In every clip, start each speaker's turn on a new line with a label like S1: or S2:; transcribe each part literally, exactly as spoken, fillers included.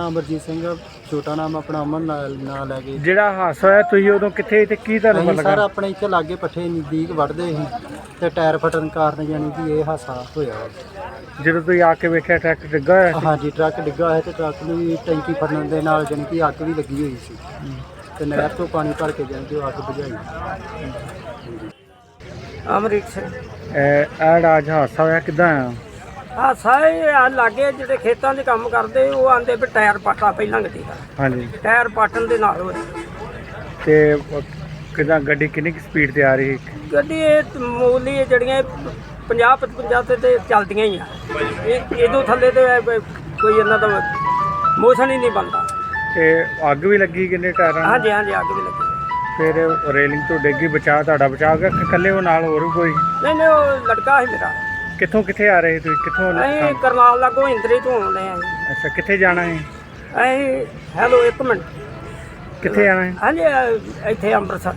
S1: ਨਾਮ ਅਮਰਜੀਤ ਸਿੰਘ, ਛੋਟਾ ਨਾਮ ਆਪਣਾ ਅਮਨ ਨਾਲ ਨਾਲ ਲੈ ਕੇ।
S2: ਜਿਹੜਾ ਹਾਦਸਾ ਹੋਇਆ ਤੁਸੀਂ ਉਦੋਂ ਕਿੱਥੇ ਤੇ ਕੀ ਤੁਹਾਨੂੰ
S1: ਅਸੀਂ
S2: ਪਤਾ
S1: ਸਰ
S2: ਲੱਗਾ?
S1: ਆਪਣੇ ਇੱਥੇ ਲਾਗੇ ਪੱਠੇ ਨਜ਼ਦੀਕ ਵੱਢਦੇ ਸੀ ਤੇ ਟਾਇਰ ਫਟਣ ਕਾਰਨ ਯਾਨੀ ਕਿ ਇਹ ਹਾਦਸਾ ਹੋਇਆ।
S2: ਜਦੋਂ ਤੁਸੀਂ ਆ ਕੇ ਵੇਖਿਆ ਟਰੱਕ ਡਿੱਗਾ ਹੋਇਆ ਸੀ?
S1: ਹਾਂਜੀ, ਟਰੱਕ ਡਿੱਗਾ ਹੋਇਆ ਤੇ ਟਰੱਕ ਨੂੰ ਵੀ ਟੈਂਕੀ ਫਟਣ ਦੇ ਨਾਲ ਯਾਨੀ ਕਿ ਅੱਗ ਵੀ ਲੱਗੀ ਹੋਈ ਸੀ ਤੇ ਨਹਿਰ ਤੋਂ ਪਾਣੀ ਭਰ ਕੇ ਜਾਣੀ ਕਿ ਉਹ ਅੱਗ ਬੁਝਾਈ।
S3: ਅਮਰੀਕ ਸਿੰਘ।
S2: ਇਹ ਜਿਹੜਾ ਅੱਜ ਹਾਦਸਾ ਹੋਇਆ ਕਿੱਦਾਂ ਆ?
S3: ਆ ਸਾਰੇ ਆ ਲਾਗੇ ਜਿਹੜੇ ਖੇਤਾਂ 'ਚ ਕੰਮ ਕਰਦੇ ਉਹ ਆਂਦੇ ਵੀ ਟਾਇਰ ਪਾਟਾ ਪਹਿਲਾਂ ਗੱਡੀ ਦਾ।
S2: ਹਾਂਜੀ।
S3: ਟਾਇਰ ਪਾਟਣ ਦੇ ਨਾਲ ਹੋਇਆ।
S2: ਤੇ ਕਿੱਦਾਂ ਗੱਡੀ ਕਿੰਨੀ ਕੁ ਸਪੀਡ ਤੇ ਆ ਰਹੀ ਸੀ?
S3: ਗੱਡੀ ਇਹ ਮੂਲੀ ਜਿਹੜੀਆਂ ਪੰਜਾਹ ਪਚਵੰਜਾ ਤੇ ਤੇ ਚੱਲਦੀਆਂ ਹੀ ਆ। ਇਹ ਇਹਦੋਂ ਥੱਲੇ ਤੇ ਕੋਈ ਇਹਨਾਂ ਦਾ ਮੋਸ਼ਨ ਹੀ ਨਹੀਂ ਬਣਦਾ।
S2: ਤੇ ਅੱਗ ਵੀ ਲੱਗੀ ਕਿੰਨੇ ਟਾਇਰਾਂ ਨੂੰ?
S3: ਹਾਂਜੀ ਹਾਂਜੀ, ਅੱਗ ਵੀ ਲੱਗੀ।
S2: ਫਿਰ ਰੇਲਿੰਗ ਤੋਂ ਡਿੱਗੀ, ਬਚਾ ਤੁਹਾਡਾ ਬਚਾ ਗਿਆ ਕਿ ਇਕੱਲੇ ਉਹ ਨਾਲ ਹੋਰ ਵੀ ਕੋਈ?
S3: ਨਹੀਂ ਨਹੀਂ, ਉਹ ਲੜਕਾ ਸੀ ਮੇਰਾ।
S2: ਕਿੱਥੋਂ ਕਿੱਥੇ ਆ ਰਹੇ ਤੁਸੀਂ? ਕਿੱਥੋਂ?
S3: ਅਸੀਂ ਕਰਨਾਲ ਲਾਗੋਂ ਇੰਦਰੀ ਤੋਂ ਆਉਂਦੇ ਆ।
S2: ਅੱਛਾ, ਕਿੱਥੇ ਜਾਣਾ ਹੈ?
S3: ਅਸੀਂ ਹੈਲੋ ਇੱਕ ਮਿੰਟ,
S2: ਕਿੱਥੇ ਜਾਣਾ ਹੈ?
S3: ਹਾਂਜੀ ਇੱਥੇ ਅੰਮ੍ਰਿਤਸਰ।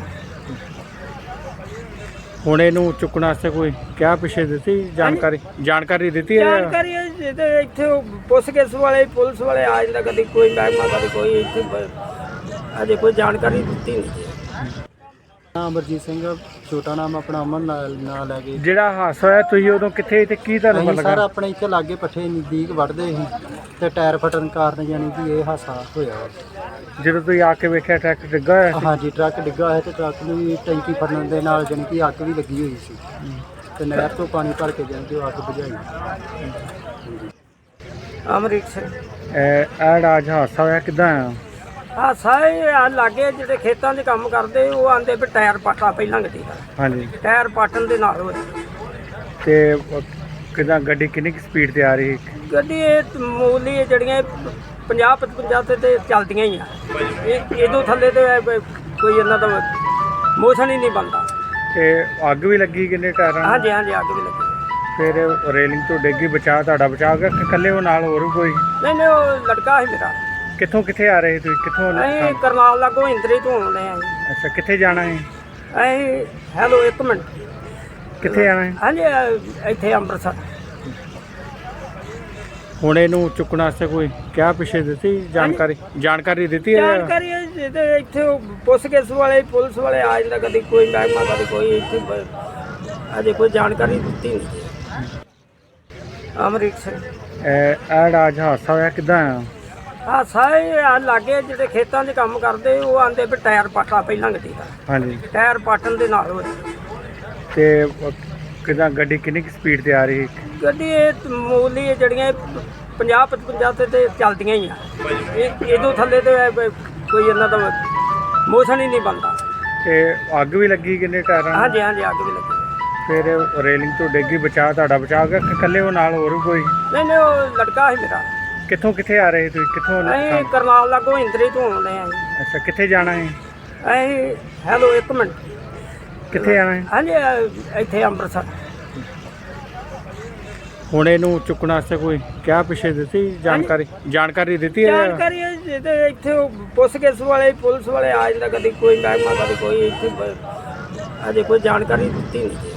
S2: ਹੁਣ ਇਹਨੂੰ ਚੁੱਕਣ ਵਾਸਤੇ ਕੋਈ ਕਿਆ ਪਿੱਛੇ ਦਿੱਤੀ ਜਾਣਕਾਰੀ? ਜਾਣਕਾਰੀ ਦਿੱਤੀ ਹੈ?
S3: ਜਾਣਕਾਰੀ ਹੈ ਤੇ ਇੱਥੇ ਪੁਲਿਸ ਕੇਸ ਵਾਲੇ ਪੁਲਿਸ ਵਾਲੇ ਆ ਜਾਂਦਾ, ਕਦੀ ਕੋਈ ਮਹਿਕਮਾ ਕਦੀ ਕੋਈ। ਇੱਥੇ ਅਜੇ ਕੋਈ ਜਾਣਕਾਰੀ ਦਿੱਤੀ ਨਹੀਂ।
S1: ਨਾਮ ਅਮਰਜੀਤ ਸਿੰਘ, ਛੋਟਾ ਨਾਮ ਆਪਣਾ ਅਮਨ ਨਾਲ ਨਾਲ ਲੈ ਕੇ।
S2: ਜਿਹੜਾ ਹਾਦਸਾ ਹੋਇਆ ਤੁਸੀਂ ਉਦੋਂ ਕਿੱਥੇ ਤੇ ਕੀ ਤੁਹਾਨੂੰ ਪਤਾ
S1: ਅਸੀਂ
S2: ਲੱਗਾ?
S1: ਸਰ ਆਪਣੇ ਇੱਥੇ ਲਾਗੇ ਪੱਠੇ ਨਜ਼ਦੀਕ ਵੱਢਦੇ ਸੀ ਤੇ ਟਾਇਰ ਫਟਣ ਕਾਰਨ ਯਾਨੀ ਕਿ ਇਹ ਹਾਦਸਾ ਹੋਇਆ।
S2: ਜਦੋਂ ਤੁਸੀਂ ਆ ਕੇ ਵੇਖਿਆ ਟਰੱਕ ਡਿੱਗਾ ਹੋਇਆ ਸੀ?
S1: ਹਾਂਜੀ, ਟਰੱਕ ਡਿੱਗਾ ਹੋਇਆ ਤੇ ਟਰੱਕ ਨੂੰ ਵੀ ਟੈਂਕੀ ਫਟਣ ਦੇ ਨਾਲ ਯਾਨੀ ਕਿ ਅੱਗ ਵੀ ਲੱਗੀ ਹੋਈ ਸੀ ਤੇ ਨਹਿਰ ਤੋਂ ਪਾਣੀ ਭਰ ਕੇ ਜਾਣੀ ਕਿ ਉਹ ਅੱਗ ਬੁਝਾਈ।
S3: ਅਮਰੀਕ ਸਿੰਘ।
S2: ਇਹ ਜਿਹੜਾ ਅੱਜ ਹਾਦਸਾ ਹੋਇਆ ਕਿੱਦਾਂ ਆ?
S3: ਆ ਸਾਰੇ ਆ ਲਾਗੇ ਜਿਹੜੇ ਖੇਤਾਂ 'ਚ ਕੰਮ ਕਰਦੇ ਉਹ ਆਂਦੇ ਵੀ ਟਾਇਰ ਪਾਟਾ ਪਹਿਲਾਂ ਗੱਡੀ ਦਾ।
S2: ਹਾਂਜੀ।
S3: ਟਾਇਰ ਪਾਟਣ ਦੇ ਨਾਲ ਹੋਇਆ।
S2: ਤੇ ਕਿੱਦਾਂ ਗੱਡੀ ਕਿੰਨੀ ਕੁ ਸਪੀਡ ਤੇ ਆ ਰਹੀ ਸੀ?
S3: ਗੱਡੀ ਇਹ ਮੂਲੀ ਜਿਹੜੀਆਂ ਪੰਜਾਹ ਪਚਵੰਜਾ ਤੇ ਤੇ ਚੱਲਦੀਆਂ ਹੀ ਆ। ਇਹ ਇਹਦੋਂ ਥੱਲੇ ਤੇ ਕੋਈ ਇਹਨਾਂ ਦਾ ਮੋਸ਼ਨ ਹੀ ਨਹੀਂ ਬਣਦਾ।
S2: ਤੇ ਅੱਗ ਵੀ ਲੱਗੀ ਕਿੰਨੇ ਟਾਇਰਾਂ ਨੂੰ?
S3: ਹਾਂਜੀ ਹਾਂਜੀ, ਅੱਗ ਵੀ ਲੱਗੀ।
S2: ਫਿਰ ਰੇਲਿੰਗ ਤੋਂ ਡਿੱਗੀ, ਬਚਾ ਤੁਹਾਡਾ ਬਚਾ ਗਿਆ ਕਿ ਇਕੱਲੇ ਉਹ ਨਾਲ ਹੋਰ ਵੀ ਕੋਈ?
S3: ਨਹੀਂ ਨਹੀਂ, ਉਹ ਲੜਕਾ ਸੀ ਮੇਰਾ।
S2: ਕਿੱਥੋਂ ਕਿੱਥੇ ਆ ਰਹੇ ਤੁਸੀਂ? ਕਿੱਥੋਂ?
S3: ਅਸੀਂ ਕਰਨਾਲ ਲਾਗੋਂ ਇੰਦਰੀ ਤੋਂ ਆਉਂਦੇ ਆ।
S2: ਅੱਛਾ, ਕਿੱਥੇ ਜਾਣਾ ਹੈ?
S3: ਅਸੀਂ ਹੈਲੋ ਇੱਕ ਮਿੰਟ,
S2: ਕਿੱਥੇ ਜਾਣਾ ਹੈ?
S3: ਹਾਂਜੀ ਇੱਥੇ ਅੰਮ੍ਰਿਤਸਰ।
S2: ਹੁਣ ਇਹਨੂੰ ਚੁੱਕਣ ਵਾਸਤੇ ਕੋਈ ਕਿਆ ਪਿੱਛੇ ਦਿੱਤੀ ਜਾਣਕਾਰੀ? ਜਾਣਕਾਰੀ ਦਿੱਤੀ ਹੈ?
S3: ਜਾਣਕਾਰੀ ਹੈ ਤੇ ਇੱਥੇ ਪੁਲਿਸ ਕੇਸ ਵਾਲੇ ਪੁਲਿਸ ਵਾਲੇ ਆ ਜਾਂਦਾ, ਕਦੀ ਕੋਈ ਮਹਿਕਮਾ ਕਦੀ ਕੋਈ। ਇੱਥੇ ਅਜੇ ਕੋਈ ਜਾਣਕਾਰੀ ਦਿੱਤੀ ਨਹੀਂ। ਅਮਰੀਕ ਸਿੰਘ।
S2: ਇਹ ਜਿਹੜਾ ਅੱਜ ਹਾਦਸਾ ਹੋਇਆ ਕਿੱਦਾਂ ਆ?
S3: ਆ ਸਾਰੇ ਆ ਲਾਗੇ ਜਿਹੜੇ ਖੇਤਾਂ 'ਚ ਕੰਮ ਕਰਦੇ ਉਹ ਆਂਦੇ ਵੀ ਟਾਇਰ ਪਾਟਾ ਪਹਿਲਾਂ ਗੱਡੀ ਦਾ।
S2: ਹਾਂਜੀ।
S3: ਟਾਇਰ ਪਾਟਣ ਦੇ ਨਾਲ ਹੋਇਆ।
S2: ਤੇ ਕਿੱਦਾਂ ਗੱਡੀ ਕਿੰਨੀ ਕੁ ਸਪੀਡ ਤੇ ਆ ਰਹੀ ਸੀ?
S3: ਗੱਡੀ ਇਹ ਮੂਲੀ ਜਿਹੜੀਆਂ ਪੰਜਾਹ ਪਚਵੰਜਾ ਤੇ ਤੇ ਚੱਲਦੀਆਂ ਹੀ ਆ। ਇਹ ਇਹਦੋਂ ਥੱਲੇ ਤੇ ਕੋਈ ਇਹਨਾਂ ਦਾ ਮੋਸ਼ਨ ਹੀ ਨਹੀਂ ਬਣਦਾ।
S2: ਤੇ ਅੱਗ ਵੀ ਲੱਗੀ ਕਿੰਨੇ ਟਾਇਰਾਂ ਨੂੰ?
S3: ਹਾਂਜੀ ਹਾਂਜੀ, ਅੱਗ ਵੀ ਲੱਗੀ।
S2: ਫਿਰ ਰੇਲਿੰਗ ਤੋਂ ਡਿੱਗੀ, ਬਚਾ ਤੁਹਾਡਾ ਬਚਾ ਗਿਆ ਕਿ ਇਕੱਲੇ ਉਹ ਨਾਲ ਹੋਰ ਵੀ ਕੋਈ?
S3: ਨਹੀਂ ਨਹੀਂ, ਉਹ ਲੜਕਾ ਸੀ ਮੇਰਾ।
S2: ਕਿੱਥੋਂ ਕਿੱਥੇ ਆ ਰਹੇ ਤੁਸੀਂ? ਕਿੱਥੋਂ?
S3: ਅਸੀਂ ਕਰਨਾਲ ਲਾਗੋਂ ਇੰਦਰੀ ਤੋਂ ਆਉਂਦੇ ਆ।
S2: ਅੱਛਾ, ਕਿੱਥੇ ਜਾਣਾ ਹੈ?
S3: ਅਸੀਂ ਹੈਲੋ ਇੱਕ ਮਿੰਟ,
S2: ਕਿੱਥੇ ਜਾਣਾ ਹੈ?
S3: ਹਾਂਜੀ ਇੱਥੇ ਅੰਮ੍ਰਿਤਸਰ।
S2: ਹੁਣ ਇਹਨੂੰ ਚੁੱਕਣ ਵਾਸਤੇ ਕੋਈ ਕਿਆ ਪਿੱਛੇ ਦਿੱਤੀ ਜਾਣਕਾਰੀ? ਜਾਣਕਾਰੀ ਦਿੱਤੀ ਹੈ?
S3: ਜਾਣਕਾਰੀ ਹੈ ਤੇ ਇੱਥੇ ਪੁਲਿਸ ਕੇਸ ਵਾਲੇ ਪੁਲਿਸ ਵਾਲੇ ਆ ਜਾਂਦਾ, ਕਦੀ ਕੋਈ ਮਹਿਕਮਾ ਕਦੀ ਕੋਈ। ਇੱਥੇ ਅਜੇ ਕੋਈ ਜਾਣਕਾਰੀ ਦਿੱਤੀ ਨਹੀਂ।